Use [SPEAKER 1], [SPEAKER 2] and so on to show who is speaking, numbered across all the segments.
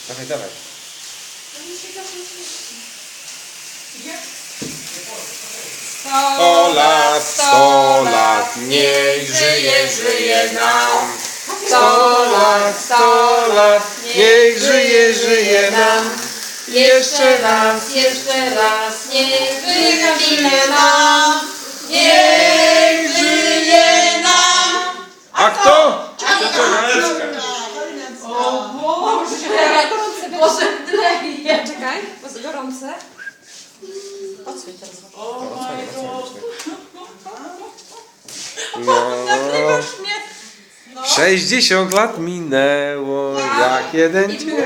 [SPEAKER 1] Dawaj, dawaj. Sto lat, niech żyje nam. 100 lat, niech żyje nam.
[SPEAKER 2] Jeszcze raz, niech żyje nam. Niech żyje nam.
[SPEAKER 1] A kto?
[SPEAKER 2] O Boże! Boże, leje. Czekaj, bo jest gorące. Odsłoń teraz.
[SPEAKER 1] No. 60 lat minęło, jak jeden dzień.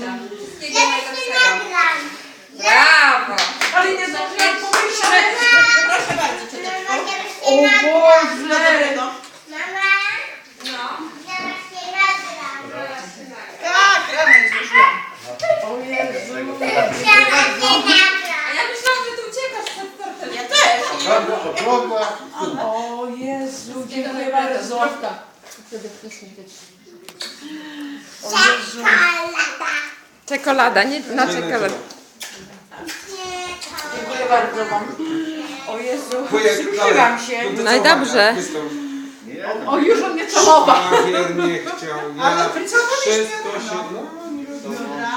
[SPEAKER 2] Brawo!
[SPEAKER 3] Ale nie zdążyłam pomyśleć. Proszę bardzo, cioteczko.
[SPEAKER 2] O Boże!
[SPEAKER 3] No.
[SPEAKER 2] No.
[SPEAKER 3] Tak, rano nie zdążyłam.
[SPEAKER 2] O Jezu! A ja myślałam, że ty uciekasz przed tortem.
[SPEAKER 3] Ja też.
[SPEAKER 2] O Jezu, dziękuję bardzo. Czekolada, nie na czekoladę.
[SPEAKER 3] Dziękuję bardzo wam. O Jezu, przykryłam się.
[SPEAKER 2] No i dobrze.
[SPEAKER 3] O, już on mnie całował.
[SPEAKER 1] Papier nie chciał,
[SPEAKER 3] Ale
[SPEAKER 1] ja
[SPEAKER 3] pracować
[SPEAKER 1] wszystko
[SPEAKER 3] nie
[SPEAKER 1] się...
[SPEAKER 3] wolno.
[SPEAKER 1] No, nie wiadomo.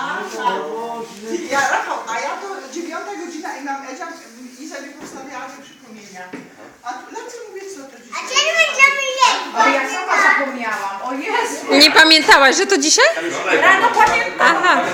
[SPEAKER 3] Ja, Rafał, a ja to 9 godzina i nam Edzia i sobie postawiała te przypomnienia. A lecę mówię, co to dzisiaj? O, ja sama zapomniałam. O Jezu.
[SPEAKER 2] Nie pamiętałaś, że to dzisiaj?
[SPEAKER 3] Rano pamiętam.
[SPEAKER 2] Aha.